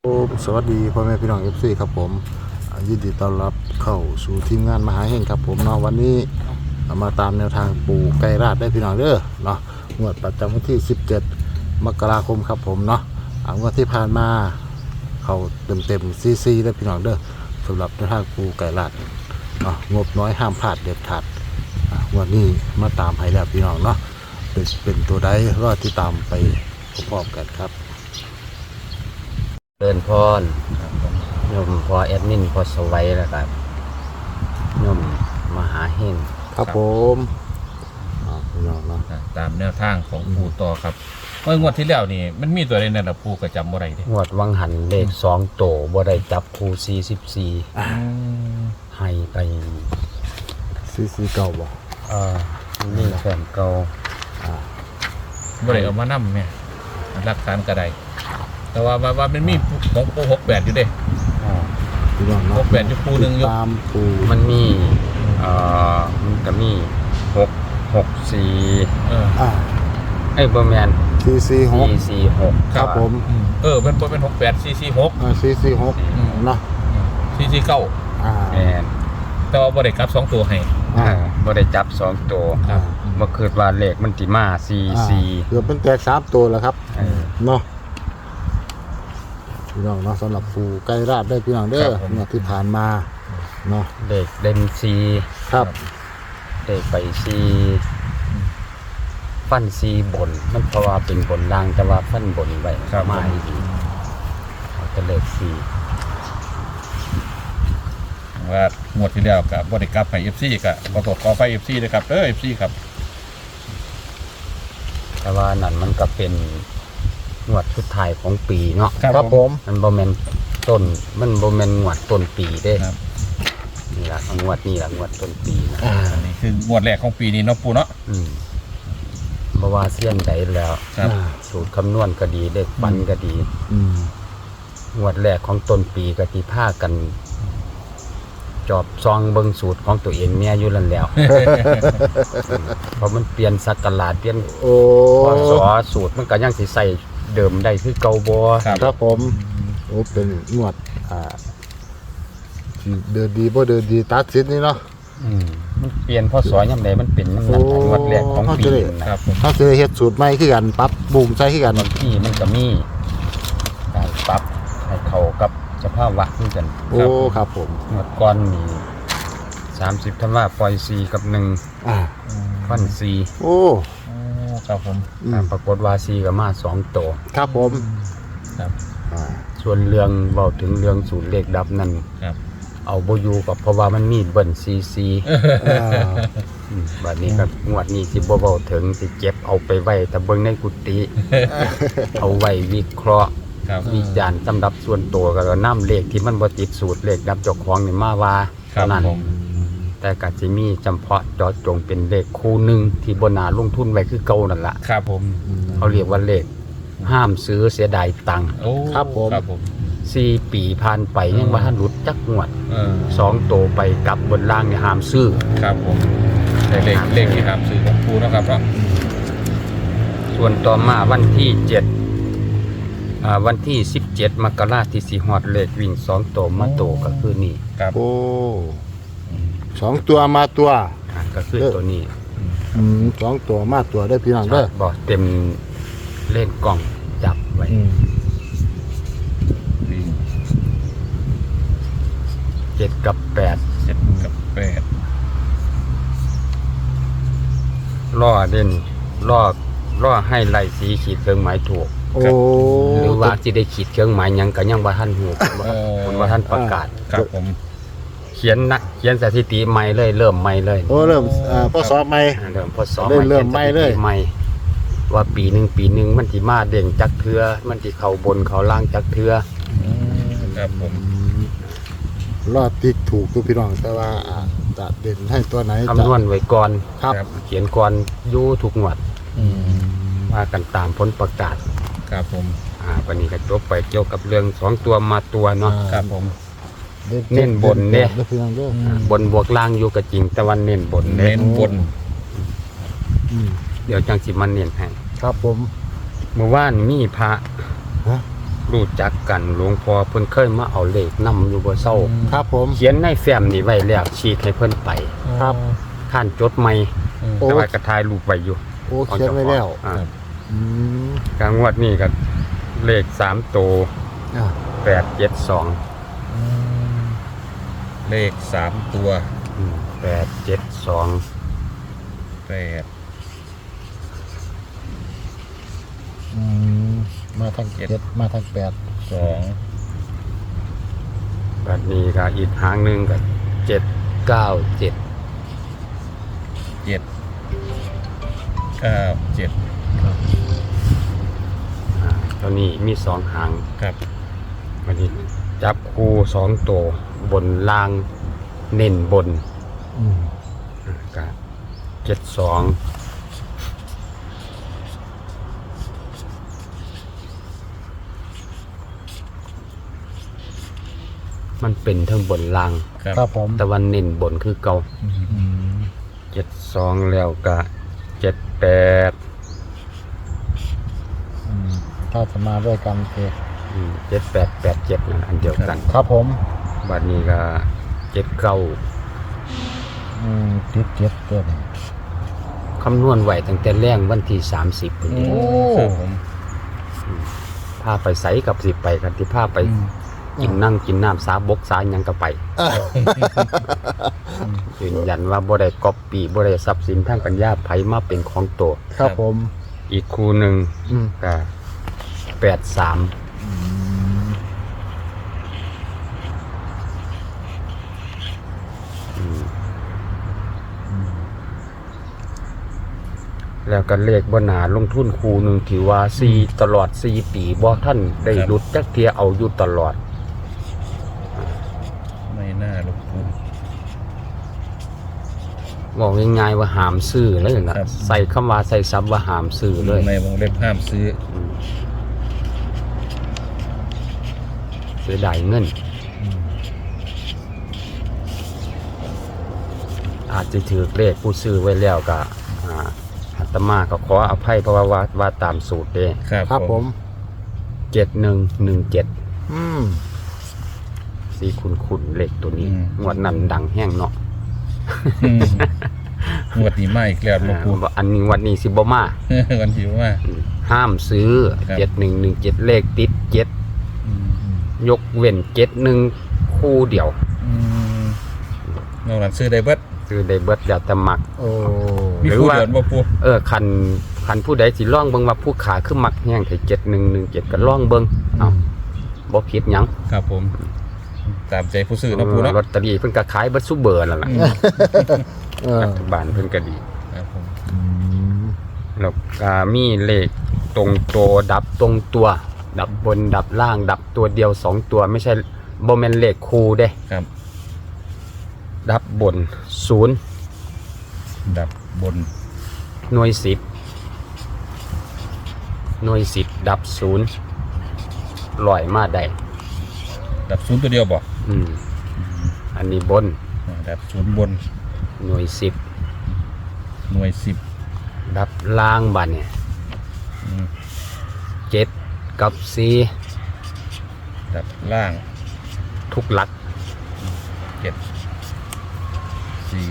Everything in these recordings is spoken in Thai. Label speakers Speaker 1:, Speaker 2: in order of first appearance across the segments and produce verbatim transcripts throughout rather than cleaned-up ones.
Speaker 1: โอ้สวัสดีพ่อแม่พี่น้อง เอฟ ซี ครับผมอ่ายินดีต้อนรับเข้าสู่ทีมงานมหาเฮงครับผมเนาะวันนี้มาตามแนวทางปู่ไกรราชได้พี่น้องเด้อเนาะงวดประจำวันที่สิบเจ็ดมกราคมครับผมเนาะอ่างวดที่ผ่านมาเข้าเต็มเต็มซีซีได้พี่น้องเด้อสำหรับแนวทางปู่ไกรราชเนาะงบน้อยห้ามพลาดเด็ดขาดอ่างวดนี้มาตามให้แล้วพี่น้องเนาะเป็นเป็นตัวใดรอที่ตามไปพร้อมๆกันครับ
Speaker 2: เดินพรโยมพอแอดมินพอสวัยแล้วครับโยมมหาเฮง
Speaker 1: ครับผมอ่าพี่น้องเนาะ
Speaker 3: ตามแนวทางของปูต่อครับเมื่องวดที่แล้วนี่มันมีตัวใดนั่นล่ะปูก็จำบ่ได้เด้
Speaker 2: งวดวังหันเลขสองโตบ่ได้จับคูสี่สิบสี่ให้ไป
Speaker 1: ซีซีเก่าบ่
Speaker 2: เอ่อนี่แฟนเก่า
Speaker 3: บ่ได้เอามานำแม่หลักฐานก็ได้แต่ว่าว่าว่ามันมีของปูหกแปดอยู่เด้
Speaker 2: อ่า
Speaker 1: พี่น้องเนาะ
Speaker 3: หกแปดอยู่ปูหนึ่งอยู่
Speaker 1: ตามปู
Speaker 2: มันมีเอ่อมันก็มีหกหกสี่
Speaker 3: เออ
Speaker 1: อ่า
Speaker 2: ไอ้ยบ่แม่น
Speaker 1: ซีซีหก
Speaker 2: สี่สี่หก
Speaker 1: ครับผม
Speaker 3: อืมเออเป็นบ่เป็นหกแปดสี่สี่หก
Speaker 1: อ่าซีซีหกเนาะ
Speaker 3: สี่สี่เก้า
Speaker 1: อ่า
Speaker 2: แม่น
Speaker 3: แต่ว่าบ่ได้กลับสองตัวให้
Speaker 1: อ่า
Speaker 2: บ่ได้จับสองโต
Speaker 3: ครับ
Speaker 2: บ่คิดว่าเลขมันสิมาสี่
Speaker 1: อ่า
Speaker 2: สี่
Speaker 1: เกือบเป็นแตกสามตัวแล้วครับ
Speaker 2: เออ
Speaker 1: เนาะพี่น้องเนาะสำหรับปูไกรราชได้พี่น้องเด้อเมื่อที่ผ่านมาเนาะ
Speaker 2: เลขเล่นสี่
Speaker 1: ครับ
Speaker 2: ได้ไปซีฟันซีบนมันเพราะว่าเป็นบนล่างแต่ว่าฟันบนไว้มาอีกเอาแต่เลขซี
Speaker 3: ว่างวดที่แล้วก็บ่ได้กลับให้ เอฟ ซี ก็ขอโทษขอไฟ เอฟ ซี ด้วยครับเด้อ เอฟ ซี ครับ
Speaker 2: แต่ว่านั่นมันก็เป็นงวดสุดท้ายของปีเนาะ
Speaker 1: ครับผม
Speaker 2: มันบ่แม่นต้นมันบ่แม่นงวดต้นปีเด้
Speaker 3: ครับ
Speaker 2: นี่ล่ะงวดนี้ล่ะงวดต้นปีนะ
Speaker 1: อ่า
Speaker 3: อันนี้คืองวดแรกของปีนี้เนาะปูเนาะ
Speaker 2: อืมบ่ว่าเสี้ยนใดแล้ว
Speaker 3: ครับ
Speaker 1: อ่า
Speaker 2: สูตรคำนวณก็ดีเลขปันก็ดี
Speaker 1: อืม
Speaker 2: งวดแรกของต้นปีก็ที่พากัน จอบซองเบิ่งสูตรของตัวเองเนี่ยอยู่นั่นแหล้ว เพราะมันเปลี่ยนสักราชเปลี่ยน
Speaker 1: โอ้
Speaker 2: พศสูตรมันก็ยังสิใส่เดิมได้คือเก่าบ่
Speaker 3: ครับ
Speaker 1: ครับผมโอ้เป็นงวดอ่าที่เดินดีบ่เดินดีตัดสินนี่เนาะ
Speaker 2: อืมมันเปลี่ยนพศยามใดมันเป็นยามนั้น
Speaker 1: โอ้
Speaker 2: งวดแรกของปี
Speaker 1: เข้าใจ
Speaker 3: ครับผม
Speaker 1: ถ้าจะเฮ็ดสูตรใหม่คือกันปรับบูมใส่คือกัน
Speaker 2: บางทีมันก็มีการปรับให้เข้ากับสภาวะคือกัน
Speaker 1: โอ้ครับผม
Speaker 2: งวดก่อนนี่สามสิบธันวาปล่อยสี่กับหนึ่ง
Speaker 1: อ่า
Speaker 2: ฟันสี่
Speaker 1: โอ้
Speaker 3: โอ้ครับผม
Speaker 1: อืม
Speaker 2: ปรากฏว่าสี่ก็มาสองโตว
Speaker 1: ครับผม
Speaker 3: ครับ
Speaker 1: อ่า
Speaker 2: ส่วนเรื่องเว้าถึงเรื่องสูตรเลขดับนั่น
Speaker 3: ครับ
Speaker 2: เอาบ่อยู่กับเพราะว่ามันมีเบิ่นซีซี
Speaker 1: อ่า
Speaker 2: อืมบัดนี้ก็งวดนี้สิบ่เว้าถึงสิเก็บเอาไปไว้แต่เบิ่งในกุฏิ เอาไว้วิเคราะห์
Speaker 3: ครับ
Speaker 2: วิจารณ์สำหรับส่วนตัวก็นำเลขที่มันบ่ติดสูตรเลขดับเจ้าของนี่มาว่า
Speaker 3: ครั
Speaker 2: เท่า
Speaker 3: บ
Speaker 2: นั้น
Speaker 3: ผม
Speaker 2: แต่ก็สิมีจำเพาะเจาะจงเป็นเลขคู่หนึงที่บ่น่าลงทุนไว้คือเก่านั่นล่ะ
Speaker 3: ครับผม
Speaker 2: เขาเรียกว่าเลขห้ามซื้อเสียดายตังค์
Speaker 3: โอ้
Speaker 1: ครับผม
Speaker 3: ครับผม
Speaker 2: สี่ปีผ่านไปยังบ่ทันหลุดจักงวด
Speaker 3: เออ
Speaker 2: สองโตไปกลับบนล่างนี่ห้ามซื้อ
Speaker 3: ครับผมในเลขเลขที่หามซื้อของปูเนาะครับเนาะ
Speaker 2: ส่วนต่อมาวันที่เจ็ดอ่าวันที่สิบเจ็ดมกราคมที่สิฮอดเลขวิ่งสองโตมาโตก็คือนี่
Speaker 3: ครับ
Speaker 1: โอ้สองตัวมาตัว
Speaker 2: อ่าก็คือตัวนี้
Speaker 1: อืมสองตัวมาตัวได้พี่น้องเด้อ
Speaker 2: บ่เต็มเล่นกล่องจับไว้
Speaker 1: อืม
Speaker 3: วิ่ง
Speaker 2: เจ็ดกับแปด
Speaker 3: เจ็ดกับแปด
Speaker 2: ล่อเด่นล่อล่อให้ไล่สีขีดเครื่องหมายถูก
Speaker 1: โอ้
Speaker 2: หรือว่าสิได้ขีดเครื่องหมายหยังก็ยังบ่ทันฮู้บ่คนบ่ทันประกาศ
Speaker 3: ครับผม
Speaker 2: เขียนนะเขียนสถิติใหม่เลยเริ่มใหม่เลย
Speaker 1: โอ้เริ่มอ่าพศใหม่
Speaker 2: อ่าเริ่มพศ
Speaker 1: เริ่มเริ่มใหม่เลย
Speaker 2: ใหม่ว่าปีหนึ่งปีหนึ่งมันสิมาเด้งจักเทือมันสิเข้าบนเข้าล่างจักเทือ
Speaker 3: ครับผม
Speaker 1: รอดติ๊กถูกทุกพี่น้องแต่ว่าอ่าจะเด่นให้ตัวไหนจะ
Speaker 2: คำนวณไว้ก่อน
Speaker 1: ครับ
Speaker 2: เขียนก่อนอยู่ทุกงวด
Speaker 3: อืม
Speaker 2: ว่ากันตามผลประกาศ
Speaker 3: ครับผม
Speaker 2: อ่าวันนี้ก็จบไปเกี่ยวกับเรื่องสองตัวมาตัวเนาะ
Speaker 3: ครับผม
Speaker 2: เน้นบนเด้
Speaker 1: เด้อพี่น้องเด้อ
Speaker 2: อ่าบนบวกล่างอยู่กับจริงแต่วันเน้นบนเน้
Speaker 3: เน้
Speaker 2: น
Speaker 3: นบน
Speaker 1: อืม
Speaker 2: เดี๋ยวจังสิมันเน้นให้
Speaker 1: ครับผม
Speaker 2: เมื่อวานมีพระ
Speaker 1: ฮะ
Speaker 2: รู้จักกันหลวงพ่อเพิ่นเคยมาเอาเลขนำอยู่บ่เศร้า
Speaker 1: ครับผม
Speaker 2: เขียนในแฟ้มนี่ไว้แล้วฉีกให้เพิ่นไป
Speaker 1: ครับ
Speaker 2: ท่านจดใหม่
Speaker 3: อืม
Speaker 1: โอ้
Speaker 2: แต่ว่ากระทายรูปไว้อยู่
Speaker 1: โอ้เขียนไว้แล้ว
Speaker 2: อ่า
Speaker 1: อืม
Speaker 2: กลางงวดนี้ก็เลขสามตัว
Speaker 1: อ่า
Speaker 2: แปดเจ็ดสอง
Speaker 3: อืมเลขสามตัว
Speaker 2: แปดเจ็ดสอง
Speaker 3: แปด
Speaker 1: อืมมาทางเจ็ดมาทางแปด
Speaker 3: สอง
Speaker 2: แบบนี้ก็อีกหางหนึ่งก็เจ็ดเก้าเจ็ด
Speaker 3: เจ็ดเก้าเจ็ด
Speaker 2: ตัวนี้มีสองหาง
Speaker 3: ครับ
Speaker 2: วันนี้จับคู่สองตัวบนล่างเน้นบน
Speaker 1: อืม
Speaker 2: ก็เจ็ดสองมันเป็นทั้งบนล่าง
Speaker 3: ครับ
Speaker 1: ครับผม
Speaker 2: แต่วันเน้นบนคือเก่า
Speaker 3: อืม
Speaker 1: อืม
Speaker 2: เจ็ดสองแล้วก็เจ็ดแปด
Speaker 1: อืมถ้าจะมาด้วยกันคือ
Speaker 2: เจ็ดแปดแปดเจ็ดนั่นอันเดียวกัน
Speaker 1: ครับผม
Speaker 2: บัดนี้ก็เจ็ดเก้า
Speaker 1: อืมติดเจ็ดเกิน
Speaker 2: คำนวณไหวตั้งแต่แรงวันที่สามสิบพอดี
Speaker 3: โอ้ครับผม
Speaker 2: พาไปใสกับสิไปกันที่พาไป
Speaker 3: อืม
Speaker 2: กินนั่งกินน้ำสาบกสาหยังก็ไปยืนยันว่าบ่ได้ก๊อปปี้บ่ได้ทรัพย์สินทางปัญญาไผมาเป็นของตัว
Speaker 1: ครับผม
Speaker 2: อีกคู่หนึ่ง
Speaker 1: อืม
Speaker 2: ก็แปดสาม
Speaker 1: อืม
Speaker 2: แล้วก็เลขบนหนาลงทุนคู่หนึ่งที่ว่าสี่ตลอดสี่ปีบ่ท่านได้หลุดจักเทียเอาอยู่ตลอด
Speaker 3: ไม่น่าลงทุน
Speaker 2: บอกง่ายๆว่าหามซื้อเลยนะครับ ใส่คำว่าใส่ซับว่าหามซื้อเลย
Speaker 3: ในวงเล็บห้ามซื้อ
Speaker 2: อืมเสียดายเงิน อาจจะถือเลขผู้ซื้อไว้แล้วก็อ่าอาตมาก็ขออภัยเพราะว่าว่าว่าตามสูตรเด้
Speaker 3: ครับ
Speaker 1: ครับผม
Speaker 2: เจ็ดหนึ่งหนึ่งเจ็ด
Speaker 1: อืม
Speaker 2: สี่คุณคุณเลขตัวนี้งวดนั้นดังแห้งเนาะ
Speaker 3: อืมงวดนี้มาอีกแล้วหลวงปู่
Speaker 2: อ่าอันนี้งวันนี้สิบมา
Speaker 3: วันที่ว่า
Speaker 2: ห้ามซื้อ
Speaker 3: ครับ
Speaker 2: เจ็ดหนึ่งหนึ่งเจ็ดเลขติดเจ็ด
Speaker 3: อืม
Speaker 2: ยกเว้นเจ็ดหนึ่งคู่เดียว
Speaker 3: อืมนอกนั้นซื้อได้เบิด
Speaker 2: ซื้อได้เบิดแล้วแต่มัก
Speaker 1: โอ้
Speaker 3: มี
Speaker 2: หรือ
Speaker 3: ผู้
Speaker 2: ว่า
Speaker 3: เดือนบ่ปู่
Speaker 2: เออคันคันผู้ใดสิล่องเบิ่งว่าผู้ขาคือมักแห้งแต่เจ็ดหนึ่งหนึ่งเจ็ดก็ล่องเบิ่งเอ้าบ่ผิดหยัง
Speaker 3: ครับผม ตามใจผู้ซื้อเนาะปู่เนาะ
Speaker 2: ลอตเตอรี่เพิ่นก็ขายเบิดซุเบอร์นั่นล่ะ
Speaker 3: อืม
Speaker 1: เออ
Speaker 2: รัฐบาลเพิ่นก็ดี
Speaker 3: ครับผม
Speaker 1: อืม
Speaker 2: แล้วก็มีเลขตรงตัวดับตรงตัว ดับบนดับล่างดับตัวเดียวสองตัวไม่ใช่บ่แม่นเลขคู่เด้
Speaker 3: ครับ
Speaker 2: ดับบนศูนย์
Speaker 3: ดับบน
Speaker 2: หน่วยสิบหน่วยสิบดับศูนย์ลอยมาได้
Speaker 3: ดับศูนย์ตัวเดียวบ่
Speaker 2: อืมอันนี้บน
Speaker 3: อ่าดับศูนย์บน
Speaker 2: หน่วยสิบ
Speaker 3: หน่วยสิบ
Speaker 2: ดับล่างบัดเนี่ย
Speaker 3: อืม
Speaker 2: เจ็ดกับสี่
Speaker 3: ดับล่าง
Speaker 2: ทุกหลัก
Speaker 3: เจ็ดสี่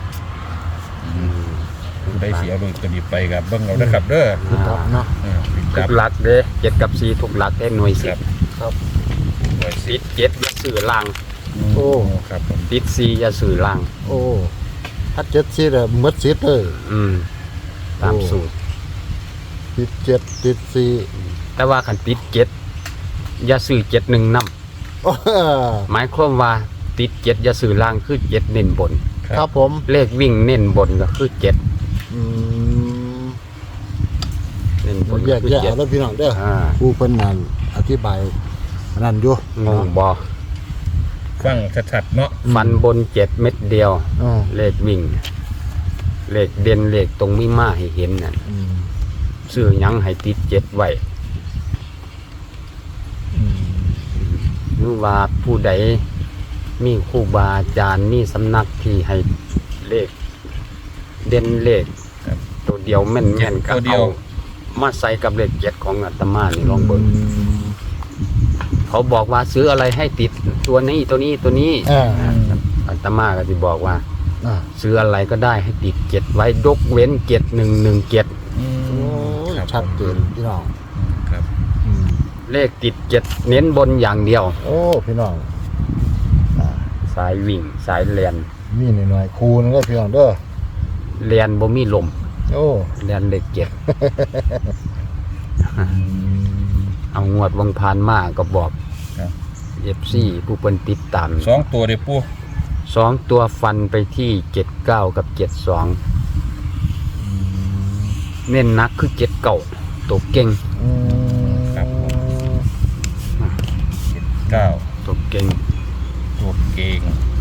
Speaker 3: ผู้ใดเสียเลยก็ดีไปกับเบิ้งเอานะครับเด้อ
Speaker 1: คือดับเนาะ
Speaker 3: อ่าปิด
Speaker 2: ทุ
Speaker 3: ดับ
Speaker 2: กหลักเด้เจ็ดกับสี่ทุกหลักได้หน่วย
Speaker 3: ค
Speaker 2: สิ
Speaker 3: รั
Speaker 2: บบ
Speaker 1: ครับ
Speaker 3: หน่วยสิ
Speaker 2: ติ
Speaker 3: บ
Speaker 2: ดเจ็ดอย่าสื่อล่าง
Speaker 1: โอ้
Speaker 3: ครับผม
Speaker 2: ติดสี่อย่าสื่อล่าง
Speaker 1: โอ้ถ้าเจ็ดซีดอะหมดซีดเลย
Speaker 2: อืมตามสูตร
Speaker 1: ติดเจ็ดติดสี่
Speaker 2: แต่ว่าขันติดเจ็ดอย่าสื่อเจ็ดหนึ่งน
Speaker 1: โอ้
Speaker 2: ำหมายความว่าติดเจ็ดอย่าสื่อล่างคือเจ็ดเน้นบน
Speaker 1: ครับผม
Speaker 2: เลขวิ่งเน้นบนก็คือเจ็ด
Speaker 1: อืม
Speaker 2: เน้นบน
Speaker 1: แย
Speaker 2: ก็
Speaker 1: ก
Speaker 2: คือ
Speaker 1: แยก
Speaker 2: เจ็ด
Speaker 1: เอาแล้วพี่น้องเด้อ
Speaker 2: อ่า
Speaker 1: ผู้เพิ่นนั่นอธิบายอันนั่นอยู่
Speaker 2: งงบอ
Speaker 3: ฟังชัดๆเนาะ
Speaker 2: ฟันบนเจ็ดเม็ดเดียว
Speaker 1: อ๋อ
Speaker 2: เลขวิ่ง เลขเด่นเลขตรงไม่มาให้เห็นนั่น
Speaker 1: อืม
Speaker 2: ซื้อหยังให้ติดเจ็ดไว้
Speaker 1: อืม
Speaker 2: หรือว่าผู้ใดมีครูบาอาจารย์มีสำนักที่ให้เลข เด่นเลข
Speaker 3: ครับ
Speaker 2: ตัวเดียวแม่นแม่นๆก็
Speaker 3: ตัวเดีย
Speaker 2: เอา
Speaker 3: ว
Speaker 2: มาใส่กับเลขเจ็ดของอาตมานี่ลองเบิ่ง
Speaker 1: อืม
Speaker 2: เขาบอกว่าซื้ออะไรให้ติดตัวนี้ตัวนี้ตัวนี้
Speaker 1: อ่า
Speaker 2: อาตมาก็จะบอกว่า
Speaker 1: อ่า
Speaker 2: ซื้ออะไรก็ได้ให้ติดเจ็ดไว้ยกเว้นเจ็ดหนึ่งหนึ่งเจ็ด
Speaker 3: อืม
Speaker 1: โอ้ย
Speaker 3: ครับ
Speaker 1: ชัดเจนพี่น้อง
Speaker 3: ครับ
Speaker 1: อืม
Speaker 2: เลขติดเจ็ดเน้นบนอย่างเดียว
Speaker 1: โอ้พี่น้องอ่า
Speaker 2: สายวิ่งสายเลียน
Speaker 1: มีหน่อยๆคูณก็พี่น้องเด้อ
Speaker 2: เลียนบ่มีลม
Speaker 1: โอ้
Speaker 2: เลียนเลขเจ็ด
Speaker 1: อืม
Speaker 2: เอางวดวังพานมาก็บอก
Speaker 3: ครับ
Speaker 2: เอฟซีผู้เพิ่นติดตาม
Speaker 3: สองตัวเด้อปู
Speaker 2: สองตัวฟันไปที่เจ็ดเก้ากับเจ็ดสองเน้นหนักคือเจ็ดเก้าตัวเก่ง
Speaker 1: อืม
Speaker 3: ครับผมเจ็ดเก้า
Speaker 2: ตัวเก่ง
Speaker 3: ตัวเก่ง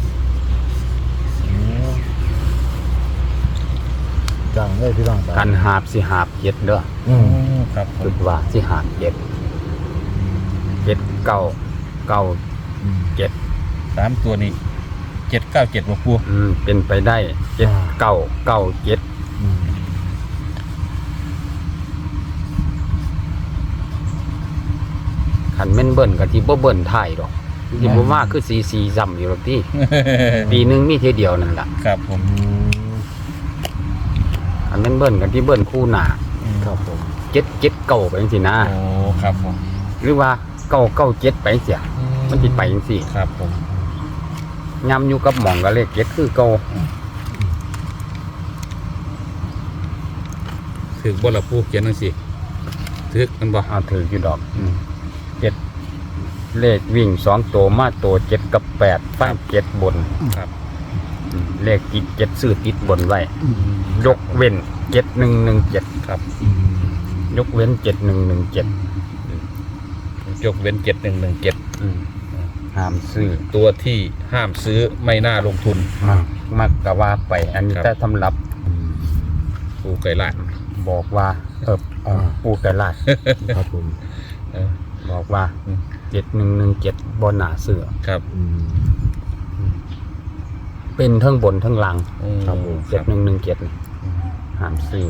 Speaker 1: จังเลยพี่น้อง
Speaker 2: กันหาบสิหาบเจ็ดเด้อ
Speaker 1: อืม
Speaker 3: อืมครับผ
Speaker 2: คิ
Speaker 3: ม
Speaker 2: ดว่าสิหาบเจ็ดเจ็ดเก้าเก้า
Speaker 1: อืม
Speaker 2: เจ็ด
Speaker 3: สามตัวนี้เจ็ดเก้าเจ็ดบ่ปู
Speaker 2: อืมเป็นไปได้เจ็ดเก้าเก้าเจ็ด
Speaker 1: อืม
Speaker 2: ขันแม่นเบิ้นกับที่บ่เบิ้นถ่ายดอกที่บ่มากคือสีสีซ้ำอยู่หรอกที่ ปีหนึงมีเทอเดียวนั่นแหละ
Speaker 3: ครับผม
Speaker 1: อืม
Speaker 2: ขันแม่นเบิ้นกับที่เบิ้นคู่หน้า
Speaker 1: ครับผม
Speaker 2: เจ็ดเจ็ดเก้าไปจังซี่นะ
Speaker 3: โอ้ครับผม
Speaker 2: หรือว่าเก้าเก้าเจ็ดไปจังซี่มันสิไปจังซี่
Speaker 3: ครับผม
Speaker 2: ย้ำอยู่กับหม่องกับเลขเจ็ดคือเก่า
Speaker 3: ถึกบ่ละปูเขียนจังซี่ถึกมันบ่
Speaker 2: เอาถืออยู่ดอกอืมเจ็ดเลขวิ่งสองตัวมาตัวเจ็ดกับแปดฟังเจ็ดบน
Speaker 3: ครับ
Speaker 2: อืมเลขติดเจ็ดซื้อติดบนไว้ ยกเว้นเจ็ดหนึ่งหนึ่งเจ็ด
Speaker 3: ครับ
Speaker 1: อืม
Speaker 2: ยกเว้นเจ็ดหนึ่งหนึ่งเจ็ด
Speaker 3: ยกเว้นเจ็ดหนึ่งหนึ่งเจ็ด
Speaker 2: ห้ามซื้อ
Speaker 3: ตัวที่ห้ามซื้อไม่น่าลงทุน
Speaker 2: มักมักกะว่าไป อันนี้
Speaker 3: ครับ
Speaker 2: แต่สำหรับ
Speaker 3: ปูไก่ลาด
Speaker 2: บอกว่าเออเอ่อปูไก่ลาด
Speaker 1: ครับผม
Speaker 3: เออ
Speaker 2: บอกว่า
Speaker 3: อืม
Speaker 2: เจ็ดหนึ่งหนึ่งเจ็ดบนหนาเสือ
Speaker 3: ครับ
Speaker 1: อืม
Speaker 2: เป็นทั้งบนทั้งล่าง
Speaker 3: อืม
Speaker 1: ครับผม
Speaker 2: เจ็ดหนึ่งหนึ่งเจ็ดห้ามซื้อ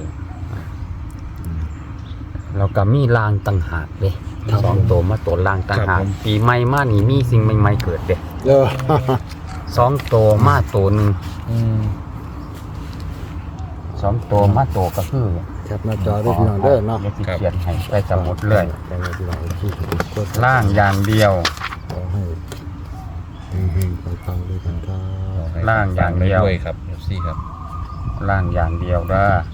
Speaker 2: แล้วก็มีลางต่างหากเด้
Speaker 1: ครับ
Speaker 2: สองตัวมาตัวลางต่างหาก
Speaker 3: ครับผม
Speaker 2: ปีใหม่มานี่มีสิ่งใหม่ๆเกิดเด้
Speaker 1: เออ
Speaker 2: สองตัวมาตัวหนึ่ง
Speaker 3: อืม
Speaker 2: สองตัวมาตัวก็คือ
Speaker 1: แคปหน้าจอด้วยพี่น้องเด้อเนาะ
Speaker 2: ดี๋ยวสิเขียนให้ไปสมุดเลย
Speaker 1: ไปเลยพี่น้องที่กด
Speaker 2: ล่างอย่างเดียว
Speaker 1: ขอให้เฮงๆปังๆด้วยกันครับ
Speaker 2: ล่างอย่างเดียว
Speaker 3: ด้วยครับเอฟซีครับ
Speaker 2: ล่างอย่างเดียวเด้อ